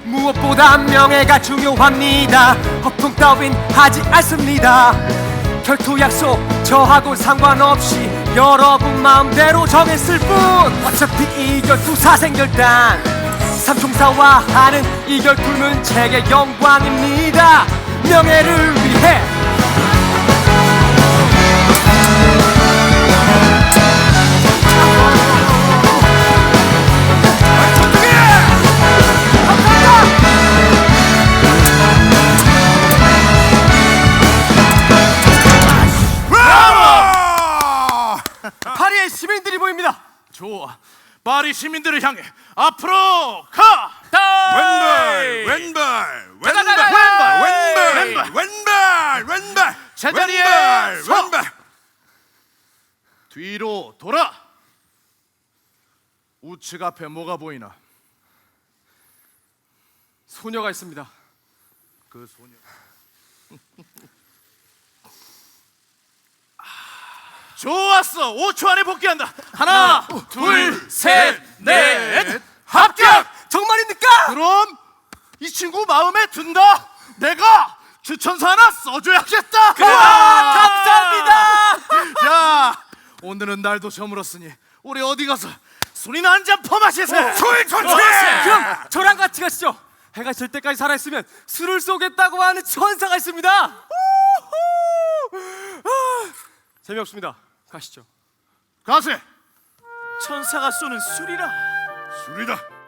무엇보다 명예가 중요합니다. 허풍 따윈 하지 않습니다. 결투 약속 저하고 상관없이 여러분 마음대로 정했을 뿐. 어차피 이 결투 사생결단 삼총사와 하는 이 결투는 제게 영광입니다. 명예를 위해 파리의 시민들이 보입니다. 좋아, 파리 시민들을 향해 앞으로 가! 왼발 왼발 왼발 왼발 왼발 왼발 제자리에 왼발 서! 왼발. 뒤로 돌아! 우측 앞에 뭐가 보이나? 소녀가 있습니다. 그 소녀 좋았어! 5초 안에 복귀한다! 하나, 둘, 셋, 넷! 합격! 정말입니까? 그럼 이 친구 마음에 든다! 내가 추천서 하나 써줘야겠다! 감사합니다. 자, 오늘은 날도 저물었으니 우리 어디 가서 술이나 한잔 퍼마시세! 술 좋지. 그럼 저랑 같이 가시죠. 해가 질 때까지 살아있으면 술을 쏘겠다고 하는 천사가 있습니다. 재미없습니다. 가시죠. 가세! 천사가 쏘는 술이라. 술이다.